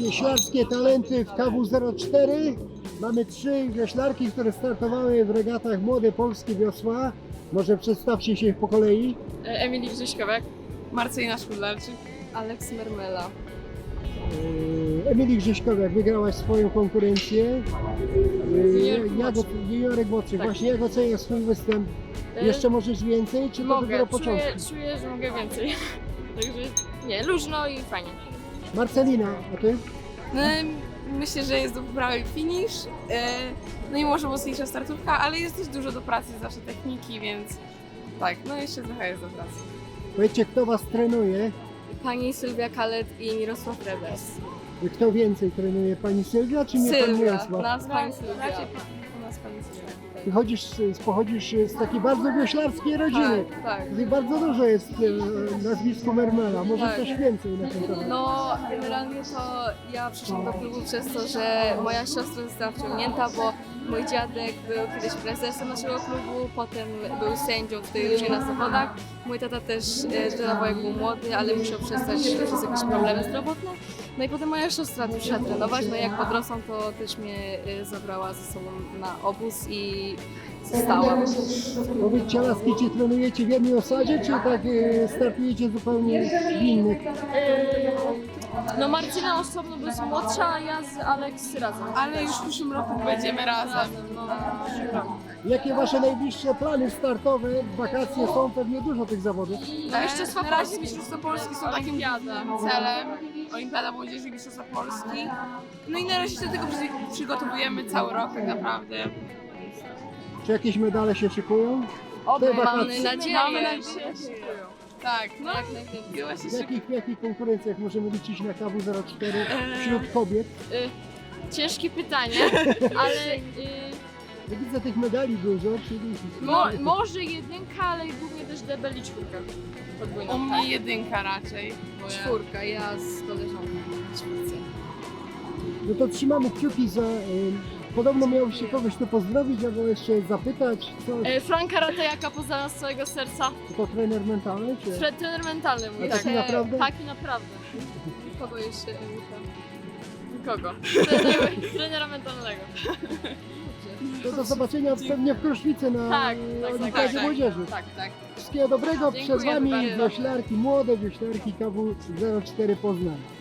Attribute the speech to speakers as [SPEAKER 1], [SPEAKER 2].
[SPEAKER 1] wioślarskie talenty w KW04. Mamy 3 wioślarki, które startowały w regatach Młode Polskie Wiosła. Może przedstawcie się po kolei.
[SPEAKER 2] Emilii Grzyśkowiak,
[SPEAKER 3] Marcelina Szkudlarczyk.
[SPEAKER 2] Aleks Mermela.
[SPEAKER 1] Emilii Grzyśkowiak, wygrałaś swoją konkurencję.
[SPEAKER 2] Juniorek młodszy.
[SPEAKER 1] Juniorek młodszy.
[SPEAKER 2] Tak.
[SPEAKER 1] Właśnie jak oceniasz swój występ?
[SPEAKER 2] E,
[SPEAKER 1] Jeszcze możesz więcej, czy to
[SPEAKER 2] Mogę,
[SPEAKER 1] dopiero początek?
[SPEAKER 2] czuję, że mogę więcej. Także nie, luźno i fajnie.
[SPEAKER 1] Marcelina, a ty?
[SPEAKER 3] No, myślę, że jest do poprawy finish. No i może mocniejsza startówka, ale jest też dużo do pracy, zawsze techniki, więc tak, no jeszcze trochę jest do pracy.
[SPEAKER 1] Powiedzcie, kto was trenuje?
[SPEAKER 2] Pani Sylwia Kalet i Mirosław Rebers.
[SPEAKER 1] Kto więcej trenuje? Pani Sylwia, czy nie pani
[SPEAKER 3] Sylwia,
[SPEAKER 1] Mirosław?
[SPEAKER 3] nas pani Sylwia.
[SPEAKER 2] Raczej
[SPEAKER 3] U nas pani Sylwia.
[SPEAKER 1] Ty pochodzisz z takiej bardzo wioślarskiej rodziny.
[SPEAKER 3] Tak, tak.
[SPEAKER 1] Tutaj bardzo dużo jest nazwisku Mermela. Może
[SPEAKER 3] Tak.
[SPEAKER 1] coś więcej na ten temat?
[SPEAKER 2] No, generalnie to ja przyszłam do klubu przez to, że moja siostra została wciągnięta, bo mój dziadek był kiedyś prezesem naszego klubu, potem był sędzią tutaj różnie na zawodach. Mój tata też trenował jak był młody, ale musiał przestać przez jakieś problemy zdrowotne. No i potem moja siostra przyszła trenować, no i jak podrosłam, to też mnie zabrała ze sobą na obóz i zostałam.
[SPEAKER 1] Powiedzcie, laski, czy trenujecie w jednej osadzie, czy tak startujecie zupełnie w innych?
[SPEAKER 2] No Marcina osobno jest młodsza, a ja z Aleks razem.
[SPEAKER 3] Ale już w przyszłym roku będziemy razem.
[SPEAKER 2] No.
[SPEAKER 1] Jakie wasze najbliższe plany startowe? Wakacje są pewnie dużo tych zawodów.
[SPEAKER 2] Mistrzostwa
[SPEAKER 3] Na razie
[SPEAKER 2] Polski.
[SPEAKER 3] Mistrzostwa Polski są takim
[SPEAKER 2] Olimpiada.
[SPEAKER 3] celem. Olimpiada Młodzieży i Mistrzostwa Polski. No i na razie się do tego przygotowujemy cały rok tak naprawdę.
[SPEAKER 1] Czy jakieś medale się szykują?
[SPEAKER 2] Oby,
[SPEAKER 1] Te
[SPEAKER 2] mamy
[SPEAKER 1] wakacje.
[SPEAKER 2] nadzieję.
[SPEAKER 3] Mamy nadzieję. Tak, no.
[SPEAKER 2] Jak najwięcej.
[SPEAKER 3] Chyba się
[SPEAKER 1] W jakich konkurencjach możemy liczyć na KW04 wśród kobiet?
[SPEAKER 2] Ciężkie pytanie, ale
[SPEAKER 1] Ja widzę tych medali dużo, czyli...
[SPEAKER 2] może jedynka, ale głównie też debel i czwórka. Podwójną.
[SPEAKER 3] U mnie jedynka raczej. Bo ja...
[SPEAKER 2] Czwórka, ja z koleżanką na czwórce.
[SPEAKER 1] No to trzymamy kciuki za... Podobno miał się kogoś tu pozdrowić, albo jeszcze zapytać, co
[SPEAKER 2] Franka Ratejaka pozdrawiam z całego serca.
[SPEAKER 1] to trener mentalny, czy...
[SPEAKER 2] Trener mentalny mój.
[SPEAKER 1] A taki naprawdę?
[SPEAKER 2] Taki naprawdę. Kogo jeszcze? Nikogo. Trenera mentalnego.
[SPEAKER 1] To do zobaczenia pewnie w Kruszwicy na
[SPEAKER 2] Tak,
[SPEAKER 1] Olimpiadzie
[SPEAKER 3] tak.
[SPEAKER 1] Młodzieży.
[SPEAKER 2] Tak, tak.
[SPEAKER 1] Wszystkiego dobrego,
[SPEAKER 2] Dziękuję
[SPEAKER 1] przed Wami
[SPEAKER 2] bardzo.
[SPEAKER 1] wioślarki, młode wioślarki KW04 Poznań.